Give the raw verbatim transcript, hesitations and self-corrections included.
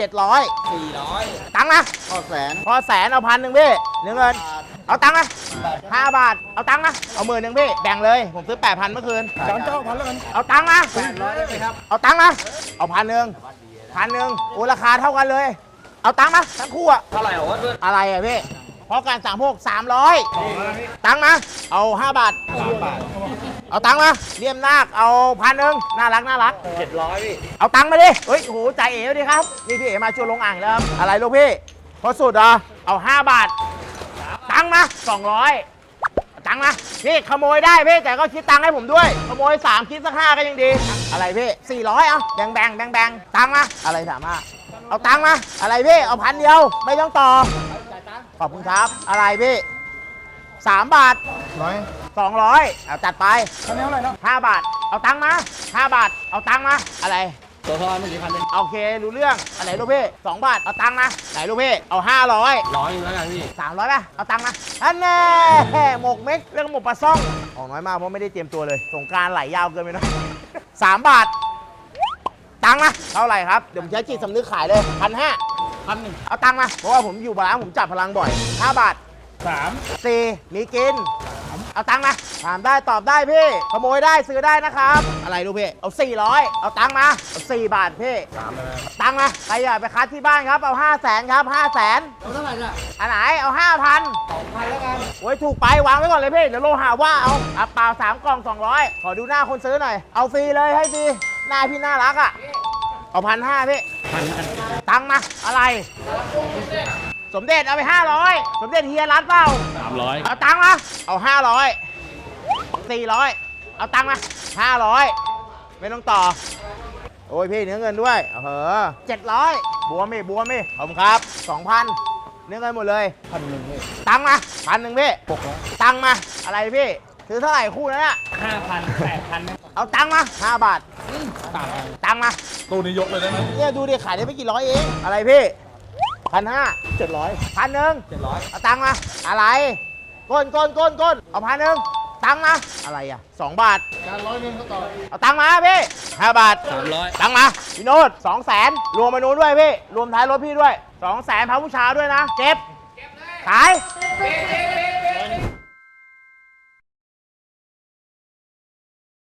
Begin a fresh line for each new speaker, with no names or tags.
จ็ดร้อย
สี่ร้อย
ตังค์นะ
พอแสน
พอแสนเอาพันหนึ่งพี่เนื้อเงินเอาตังค์นะห้าบาทเอาตังค์นะเอาหมื่นหนึ่งพี่แบ่งเลยผมซื้อแปดพันเมื่อคืน
จานเจ้าพันแล้วกัน
เอาตังค์นะ
แปดร้อยได้ไหมครับ
เอาตังค์นะเอาพันหนึ่งพันหนึ่งโอ้ราคาเท่ากันเลย เอาตังค์นะทั้งคู่อะ
เท่าไหร่เหรอวะเพื่อน
อะไรอะพี่เพราะการสั่งพวกสามร้อยตังค์นะเอาห้าบาท
สามบาท
เอาตังค์มาเลี่ยมนาคเอาพันหนึ่งน่ารักน่ารัก
เจ็ดร้อยพี่
เอาตังค์มาดิเฮ้ยโหใจเอ๋ดิครับนี่พี่เอ๋มาชวนลงอ่างแล้วครับอะไรลูกพี่พอสุดเหรอเอาห้าบาทตังค์มาสองร้อยตังค์มาพี่ขโมยได้พี่แต่ก็คิดตังค์ให้ผมด้วยขโมยสามคิดสักห้าก็ยังดีอะไรพี่สี่ร้อยเอาแบ่งแบ่งแบ่งแบ่งตังค์มาอะไรสามารถเอาตังค์มาอะไรพี่เอาพันเดียวไม่ต้องต่อขอบคุณครับอะไรพี่สามบาท
ร้อย
สองร้อยเอาจัดไป
คันนี้เท่าไหร่เนาะ
ห้าบาทเอาตังค์มาห้าบาทเอาตังค์มาอะไร
ตัวทอนเมื่อกี้พันหนึ่ง
โอเครู้เรื่องอะไรลูกพี่สองบาทเอาตังค์มาไหนลูกพี่เอาห้าร้อย
ร้อยนึงแล้วกันพี่
สามร้อยป่ะเอาตังค์มาอันแน่หมกเม็กเรื่องหมกปลาซ่องออกน้อยมากเพราะไม่ได้เตรียมตัวเลยสงกรารไหลยาวเกินไปหนะสามบาทตังค์มาเท่าไหร่ครับเดี๋ยวผมใช้จิตสำนึกขายเลยพันห้า
พันหนึ่ง
เอาตังค์มาเพราะว่าผมอยู่บาลานซ์ผมจับพลังบ่อยห้าบาท
สาม
สี่มีกินเอาตังค์มาถามได้ตอบได้พี่ขโมยได้ซื้อได้นะครับอะไรลูกพี่เอาสี่ร้อยเอาตังค์มาเอาสี่บาทพี่
สามเลย
ตังค์มาใครอยากไปคัดที่บ้านครับเอาห้าแสนครับห้าแสน
เอาเท่าไหร่เนี่ย
อันไหนเอาห้าพัน
สองพันแล้วกัน
โอ้ยถูกไปวางไว้ก่อนเลยพี่เดี๋ยวโลหาว่าเอาอ่ะเปล่าสามกล่องสองร้อยขอดูหน้าคนซื้อหน่อยเอาฟรีเลยให้ฟรีหน้าพี่น่ารักอ่ะเอาพันห้าพี่
พันกัน
ตังค์มาอะไรสมเด็จเอาไปห้าร้อยสมเด็จเฮียรัดเปล่า
สามร้อย
เอาตังค์มาเอาห้าร้อยสี่ร้อยเอาตังค์มาห้าร้อยไม่ต้องต่อโอ้ยพี่เนื้อเงินด้วยเออเจ็ดร้อยบวมพี่บวมพี่ขอบคุณครับสองพันเนื้อเงินหมดเลย
พันหนึ่งพี่
ตังค์มาพันหนึ่งพี่
หกร้อย
ตังค์มาอะไรพี่ซื้อเท่าไหร่คู่นั้นอะ
ห้าพันแปดพัน
เอาตังค์มาห้าบาท
สามพัน
ตังค์มา
ตู้นี้ยกเลยได้ไหม
เนี่ยดูดิขายได้ไม่กี่ร้อยเองอะไรพี่พันห้า
เจ็ดร้อย
พันหนึ่ง
เจ็ดร้อย
เอาตังค์มาอะไรก้นก้นก้นก้นเอาพันหนึ่งตังค์มาอะไรอ่ะสองบาท
การร้อยหนึงเขาต่อ
เอาตังค์มาพี่ห้าบาท
สามร้อย
ตังค์มาพี่โน้ตสองแสนรวมมานู้นด้วยพี่รวมท้ายรถพี่ด้วยสองแสนพาผู้ชายด้วยนะเจ็บขาย